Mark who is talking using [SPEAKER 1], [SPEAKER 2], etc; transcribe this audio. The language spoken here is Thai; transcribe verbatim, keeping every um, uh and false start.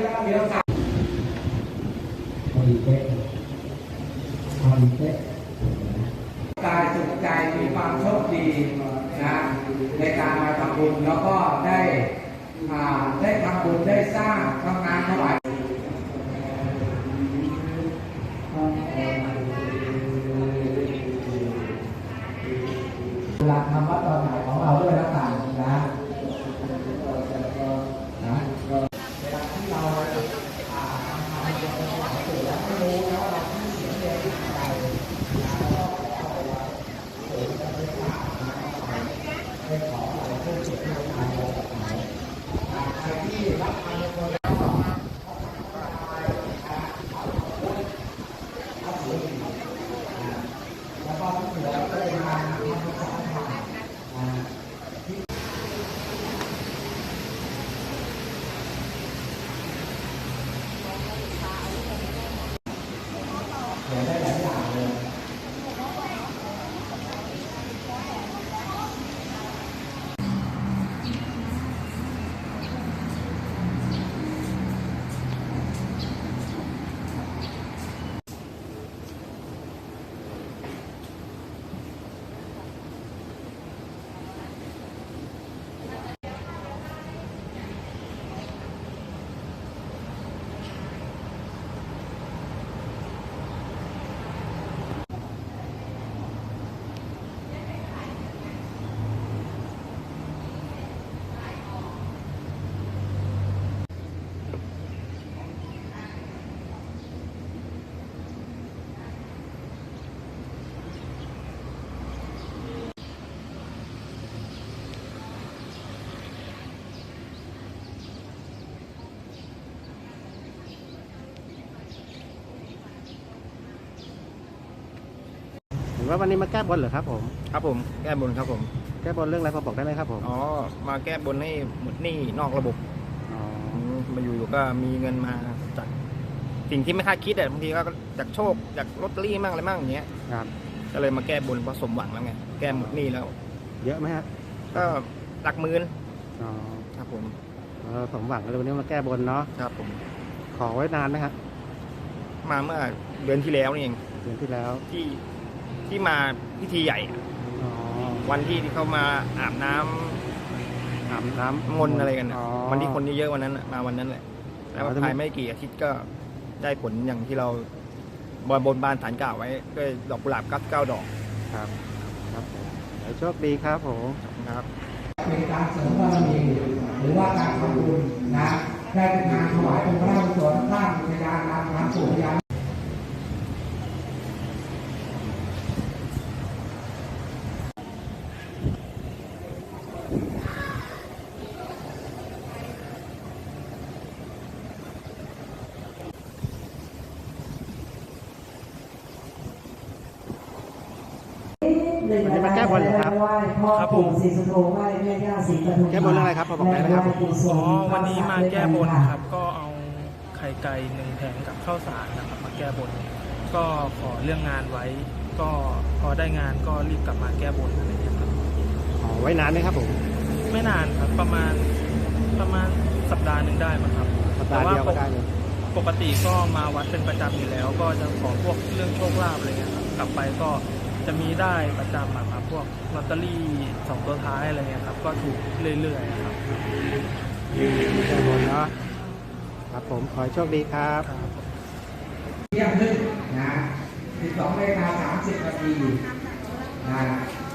[SPEAKER 1] เดี๋ยวสั่งพอดีเป๊ะพอดีเป๊ะกายสุขใจมีความโชคดีนะในการมาทำบุญแล้วก็ได้ได้ทำบุญได้สร้างทำงานถวายหลักธรรมะตอนไหนของเราด้วยแล้วกันนะนะเวลาที่เราทำทำเป็นคนหลายสื่อแล้วไม่รู้แล้วเราที่เสียเงินอะไรนะก็ขอเอาไว้เออจะไม่ฝากนะไม่ขออะไรเพื่อจิตวิญญาณเราแบบไหนใครที่รับทานในคนแล้วก็แล้วก็ที่เหลือก็เลยมาทำประสานงานเดี๋ยวได้หลายอย่างเลย
[SPEAKER 2] เห็นว่าวันนี้มาแก้บนเหรอครับผม
[SPEAKER 3] ครับผมแก้บนครับผม
[SPEAKER 2] แก้บนเรื่องอะไรพอบอกได้ไหมครับผม
[SPEAKER 3] อ๋อมาแก้บนให้หมดหนี้นอกระบบ
[SPEAKER 2] อ๋อ
[SPEAKER 3] มาอยู่ๆก็มีเงินมาจากสิ่งที่ไม่คาดคิดอ่ะบางทีก็จากโชคจากลอตเตอรี่มั่งอะไรมั่งอย่างเงี้ย
[SPEAKER 2] ครับ
[SPEAKER 3] ก็เลยมาแก้บนเพราะสมหวังแล้วไงแก้หมดหนี้แล้ว
[SPEAKER 2] เยอะไหมฮะ
[SPEAKER 3] ก็หลักหมื่น
[SPEAKER 2] อ๋อ
[SPEAKER 3] ครับผม
[SPEAKER 2] เออสมหวังเลยวันนี้มาแก้บนเนาะ
[SPEAKER 3] ครับผม
[SPEAKER 2] ขอไว้นานไหมฮะ
[SPEAKER 3] มาเมื่อเดือนที่แล้วนี่เอง
[SPEAKER 2] เดือนที่แล้ว
[SPEAKER 3] ที่ที่มาพิธีใหญ่วันที่ที่เขามาอาบน้ำ
[SPEAKER 2] อาบน้ำ
[SPEAKER 3] มนต์อะไรกันวันที่คนเยอะๆวันนั้นมาวันนั้นแหละแล้วภายไม่กี่อาทิตย์ก็ได้ผลอย่างที่เราบนบนบานฐานกล่าวไว้ด้วยดอกกุหลาบกั๊บเก้าดอก
[SPEAKER 2] ครับครับผมโชคดีครับผม
[SPEAKER 3] ครับ
[SPEAKER 1] เป็นการเสริมบารมีหรือว่าการทำบุญนะได้เป็นงานถวายเป็นพระราชกุศลสร้างพยานการทำสู่พยาน
[SPEAKER 2] วันนี้มาแก้บนเหรอครับ
[SPEAKER 4] ครับผม
[SPEAKER 2] แก้บนเรื่องอะไรครับพอบอกได้ไหมครับ
[SPEAKER 4] อ๋อวันนี้มาแก้บนครับก็เอาไข่ไก่หนึ่งแผงกับข้าวสารนะครับมาแก้บนก็ขอเรื่องงานไว้ก็พอได้งานก็รีบกลับมาแก้บนอะไรอย่างเงี้ยครับ
[SPEAKER 2] อ๋อไว้นานไหมครับผม
[SPEAKER 4] ไม่นานครับประมาณประมาณสัปดาห์หนึ่งได้มั้งครับ
[SPEAKER 2] สัปดาห์เดียวก็ได้เลย
[SPEAKER 4] ปกติก็มาวัดเป็นประจำอยู่แล้วก็จะขอพวกเรื่องโชคลาภอะไรเงี้ยครับกลับไปก็จะมีได้ประจำครับพวกลอตเตอรี่สองตัวท้ายอะไรเงี้ยครับก็ถูกเรื่อยๆครับ
[SPEAKER 2] แก้บนเนาะครับผมขอโชคดีครับ
[SPEAKER 1] เที่ยงครึ่งนะสิบสองนาฬิกาสามสิบนาทีนะ